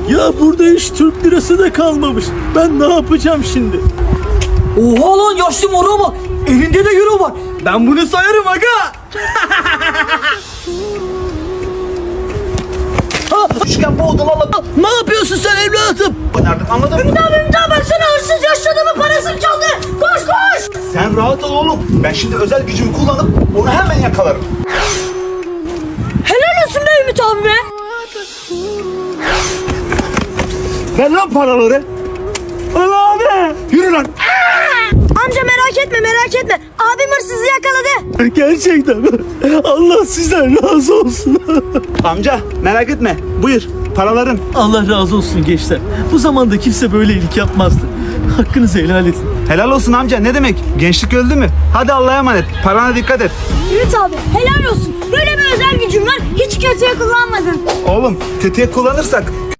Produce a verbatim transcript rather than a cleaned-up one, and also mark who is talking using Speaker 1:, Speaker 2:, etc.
Speaker 1: Ya burada hiç Türk lirası da kalmamış. Ben ne yapacağım şimdi?
Speaker 2: Oha lan yaşlı mora bak. Elinde de euro var. Ben bunu sayarım aga.
Speaker 1: Ha, üçgen boğdum Allah. Ne yapıyorsun sen evladım?
Speaker 3: Oynardık, anladın mı?
Speaker 2: Ümit abi Ümit abi baksana hırsız yaşlı adamın parasını çaldı. Koş koş.
Speaker 3: Sen rahat ol oğlum. Ben şimdi özel gücümü kullanıp onu hemen yakalarım.
Speaker 2: Helal olsun be Ümit abi be.
Speaker 1: Ver lan paraları. Allah abi. Yürü lan.
Speaker 2: Amca merak etme merak etme. Abim hırsızı yakaladı.
Speaker 1: Gerçekten mi? Allah sizden razı olsun.
Speaker 3: Amca merak etme. Buyur paraların.
Speaker 1: Allah razı olsun gençler. Bu zamanda kimse böyle iyilik yapmazdı. Hakkınızı helal edin.
Speaker 3: Helal olsun amca, ne demek? Gençlik öldü mü? Hadi Allah'a emanet. Parana dikkat et.
Speaker 2: Ümit abi helal olsun. Böyle bir özel gücün var. Hiç kötüye kullanmadın.
Speaker 3: Oğlum kötüye kullanırsak